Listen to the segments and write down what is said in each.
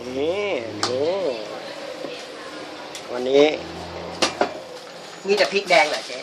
นี่ดูวันนี้มีแต่พริกแดงเหรอเจ๊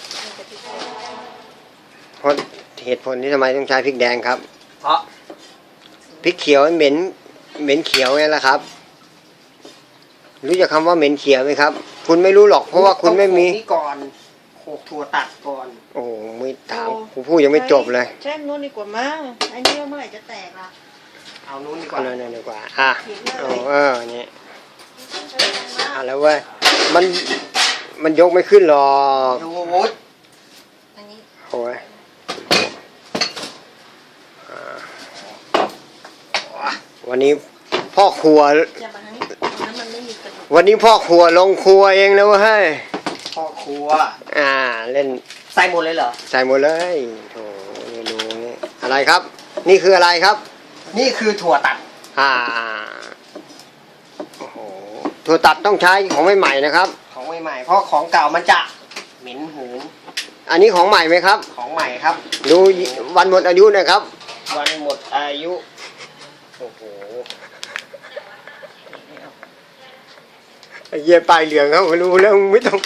เพราะเหตุผลที่ทำไมต้องใช้พริกแดงครับเพราะพริกเขียวเหม็นเขียวไงล่ะครับรู้จักคำว่าเหม็นเขียวไหมครับคุณไม่รู้หรอกเพราะว่าคุณไม่มีนี่ก่อนโขลกถั่วตัดก่อนโอ้ไม่ถามคุณพูดยังไม่จบเลยใช่นู้นดีกว่ามั้งไอ้นี่เมื่อไหร่จะแตกล่ะเอานู้นดีกว่านั่นดีกว่าอ่ะนี่แล้วเว้ยมันยกไม่ขึ้นหรอกดูอันนี้โอ้ยวันนี้พ่อครัววันนี้พ่อครัวลงครัวเองนะเว้ยพ่อครัวเล่นใส่หมดเลยเหรอใส่หมดเลยโถดูนี่อะไรครับนี่คืออะไรครับนี่คือถั่วตัดโอ้โหถั่วตัดต้องใช้ของใหม่ๆนะครับของใหม่ๆเพราะของเก่ามันจะเหม็นหูอันนี้ของใหม่ไหมครับของใหม่ครับดูวันหมดอายุนะครับวันหมดอายุโอ้โหไอ้เยี่ยปลายเหลืองเขารู้แล้วไม่ต้อง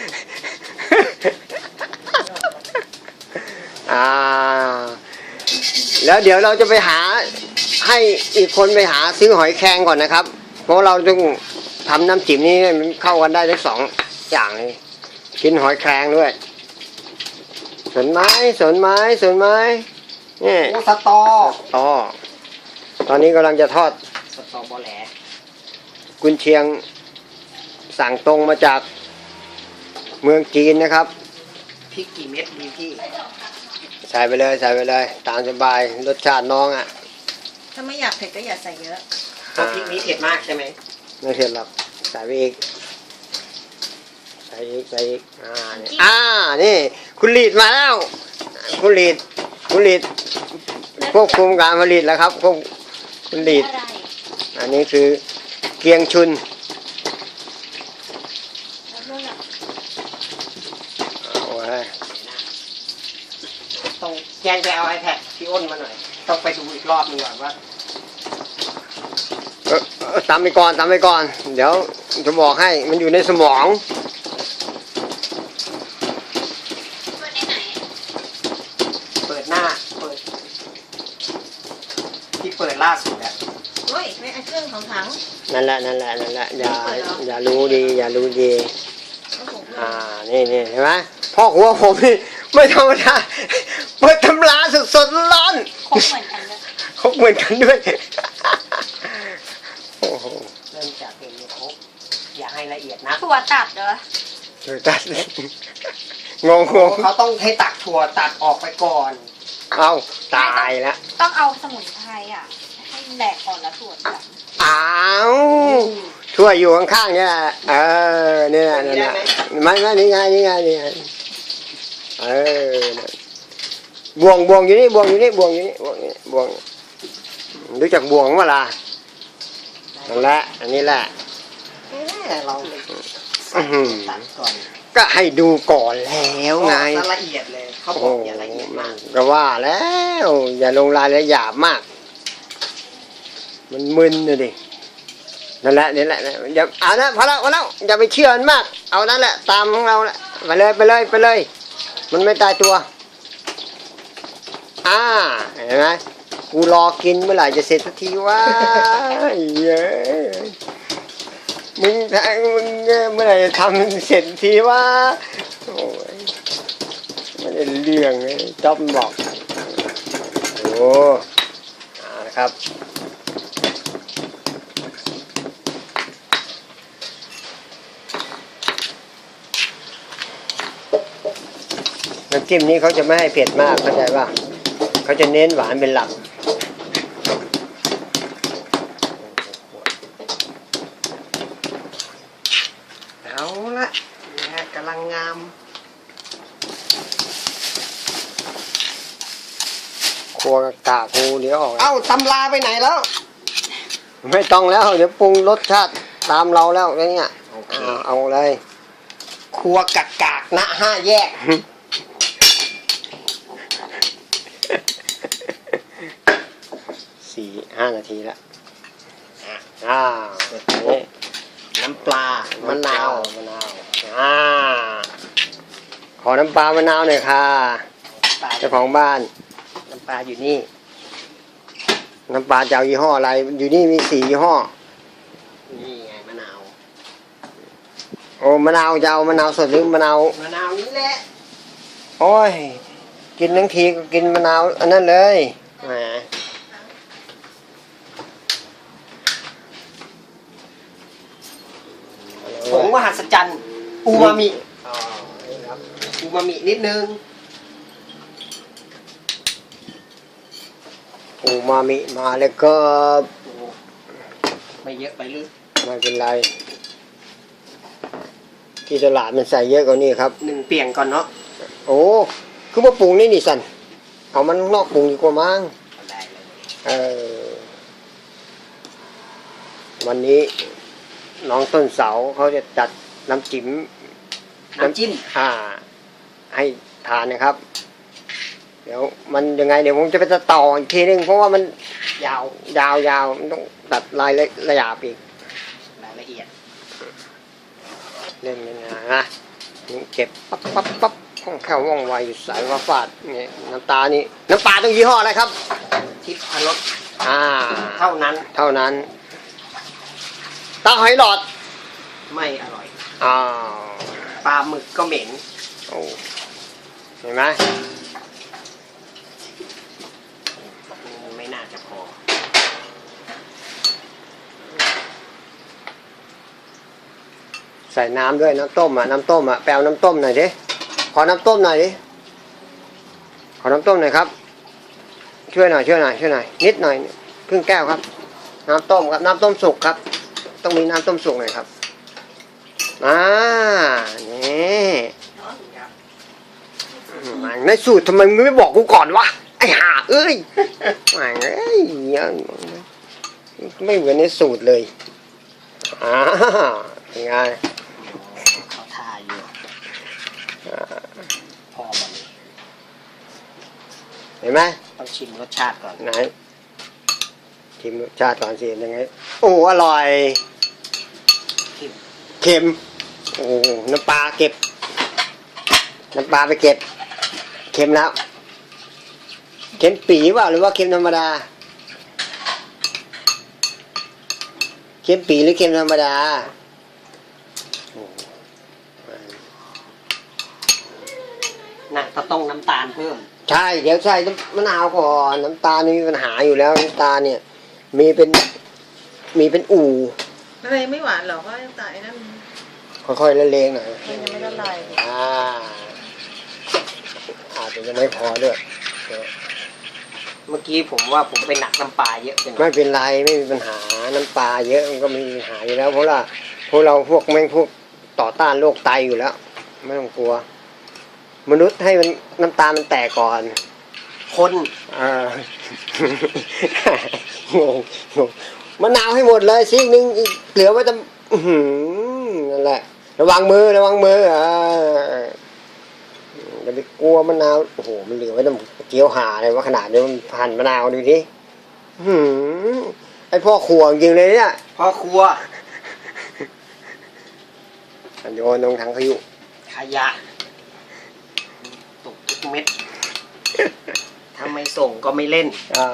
แล้วเดี๋ยวเราจะไปหาให้อีกคนไปหาซื้อหอยแครงก่อนนะครับเพราะเราต้องทำน้ำจิ้มนี้มันเข้ากันได้ทั้ง2อย่างเลยกินหอยแครงด้วยสนไม้นี่โอ้สตอตอนนี้กำลังจะทอดสตอบอแหลกุนเชียงสั่งตรงมาจากเมืองจีนนะครับพริกกี่เม็ดดีพี่ใส่ไปเลยตามสบายรสชาติน้องอ่ะถ้าไม่อยากเผ็ดก็อย่าใส่เยอะเพราะพริกนี้เผ็ดมากใช่ไหมไม่เผ็ดหรอกใส่ไปอีกนี่คุณลีดมาแล้วคุณลีดควบคุมการผลิตแล้วครับคุณลีดอันนี้คือเกียงชุนต้องแจ้งไปเอา iPad พี่อ้นมาหน่อยต้องไปดูอีกรอบนึงก่อนว่าตามไปก่อนเดี๋ยวจะบอกให้มันอยู่ในสมองเปิดหน้าที่เปิดล่าสุดอ่ะเฮ้ยไม่เครื่องของถังนั่นแหละอย่ารู้ดีนี่เห็นไหมพ่อหัวผมนี่ไม่ธรรมดาเปิดตำราสดร้อนครบเหมือนกันด้วยเริ่มจากเป็นครบอย่าให้ละเอียดนะถั่วตัดเหรอถั่วตัดงงเขาต้องให้ตักถั่วตัดออกไปก่อนเอาตายแล้วต้องเอาสมุนไพรให้แหลกก่อนแล้วถั่วตัดถั่วอยู่ข้างๆเนี่ยนี่ไม่นี่ไงบ่วงอยู่นี่รู้จักบ่วงมั้ยล่ะนั่นแหละอันนี้แหละเราก็ให้ดูก่อนแล้วไงละเอียดเลยเขาบอกอย่าละเอียดมากก็ว่าแล้วอย่าลงรายละเอียดหยาบมากมันมึนเลยดินั่นแหละอย่าเอานะพอแล้วอย่าไปเชื่อมันมากเอานั่นแหละตามของเราแหละไปเลยมันไม่ตายตัวเห็นไหมกูรอกินเมื่อไหร่จะเสร็จสักทีวะเย้มึงเมื่อไหร่จะทำเสร็จทีวะโอ้ยไม่ได้เรื่องเลยจ๊อบบอกโอ้นะครับน้ำจิ้มนี้เขาจะไม่ให้เผ็ดมากเข้าใจป่ะเขาจะเน้นหวานเป็นหลักเอาละกำลังงามครัวกากกูเดี๋ยวออกเอ้าตำราไปไหนแล้วไม่ต้องแล้วเดี๋ยวปรุงรสชาติตามเราแล้วเนี่ยเอาเลยครัวกากนะ5 แยก 4-5 นาทีแล้วมะนาวมะนาวขอน้ำปลามะนาวหน่อยค่ะปลาเจ้าของบ้านน้ำปลาอยู่นี่น้ำปลาจะเอายี่ห้ออะไร อยู่นี่มี4 ยี่ห้อนี่ไงมะนาวโอ้มะนาวจะเอามะนาวสดหรือมะนาวมะนาวนี่แหละโอ้ย กินทั้งทีก็กินมะนาวอันนั้นเลยแหมผงมหัศจรรย์อูมามิอ๋อนี่ครับอูมามินิดนึงอูมามิมาแล้วก็โอ้ไม่เยอะไปหรือไม่เป็นไร ที่ตลาดมันใส่เยอะกว่านี้ครับหนึ่งเปลี่ยนก่อนเนาะโอ้คือมาปรุงนี่นี่สันเอามันนอกปรุงดีกว่ามั้งได้เลยเออวันนี้น้องต้นเสาเขาจะจัดน้ำจิ้มน้ำจิ้มให้ทานนะครับ เดี๋ยวมันยังไงเดี๋ยวผมจะไปตัดต่ออีกทีนึงเพราะว่ามันยาวยาวมันต้องตัดรายละเอียดอีกรายละเอียดเล่นยังไงนะนี่เก็บปั๊บปั๊บปั๊บคล่องแคล่วว่องไวอยู่สายว่าฟาดนี่น้ำตานี่น้ำปลาต้องยี่ห้ออะไรครับทิพรสเท่าเท่านั้นตาหอยหลอดไม่อร่อยอ้าวปลาหมึกก็เหม็นโอ้เห็นไหมไม่น่าจะพอใส่น้ำด้วยน้ำต้มน้ำต้มแปลวน้ำต้มหน่อยดิขอน้ำต้มหน่อยดิขอน้ำต้มหน่อยครับช่วยหน่อยนิดหน่อยครึ่งแก้วครับ น้ำต้มครับน้ำต้มสุกครับ ต้องมีน้ำต้มสุกหน่อยครับนี่มันในสูตรทำไมมึงไม่บอกกูก่อนวะไอ้ห่าเอ้ยมันเอ้ยไม่เหมือนในสูตรเลยยังไงเขาทาอยู่พอมันเห็นไหมต้องชิมรสชาติก่อนไหนชิมรสชาติก่อนสิยังไงโอ้อร่อย เค็มโอ้น้ำปลาเก็บน้ำปลาไปเก็บเค็มแล้วเค็มปีว่าหรือว่าเค็มธรรมดาเค็มปีหรือเค็มธรรมดาน่ะก็ต้องน้ำตาลเพิ่มใช่เดี๋ยวใส่มะนาวก่อนน้ำตาลนี่มีปัญหาอยู่แล้วน้ำตาลเนี่ยมีเป็นอู่อะไรไม่หวานหรอกว่าแต่ไอ้นั่นค่อยๆละเลงหน่อยมันยังไม่ละลายอาจจะยังไม่พอด้วยเมื่อกี้ผมว่าผมไปหนักน้ำปลาเยอะไปหน่ไม่อยเป็นไรไม่มีปัญหาน้ำปลาเยอะมันก็ไม่มีปัญหาอยู่แล้วเพราะว่าพวกเราพวกแม่งพวกต่อต้านโรคไตอยู่แล้ว ไม่ต้องกลัว มนุษย์ให้มันน้ำตาลมันแตกก่อนคนงงมะนาวให้หมดเลยซีกนึงอีกเหลือไว้แต่นั่นแหละระวังมืออย่าไปกลัวมะนาวโอ้โหมันเหลือไว้แต่เกี๊ยวหาเลยว่าขนาดนี้มันหั่นมะนาวดูดิไอพ่อขวงจริงเลยเนี่ยพ่อครัวโยนลงถังขยุขยะตกทุกเม็ด ถ้าไม่ส่งก็ไม่เล่น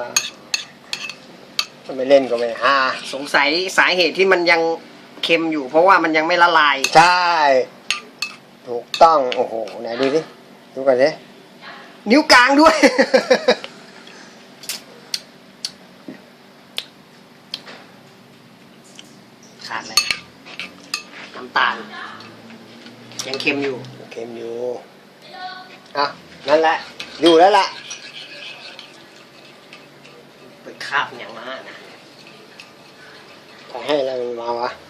ไม่เล่นก็ไม่ฮาสงสัยสาเหตุที่มันยังเค็มอยู่ เพราะว่ามันยังไม่ละลายใช่ถูกต้องโอ้โหไหนดูดิดูก่อนสินิ้วกลางด้วย ขาดอะไรน้ำตาล ยังเค็มอยู่เค็มอยู่นั่นแหละอยู่แล้วล่ะไปคาบอย่างมานะจะให้อะไรมันมาวะ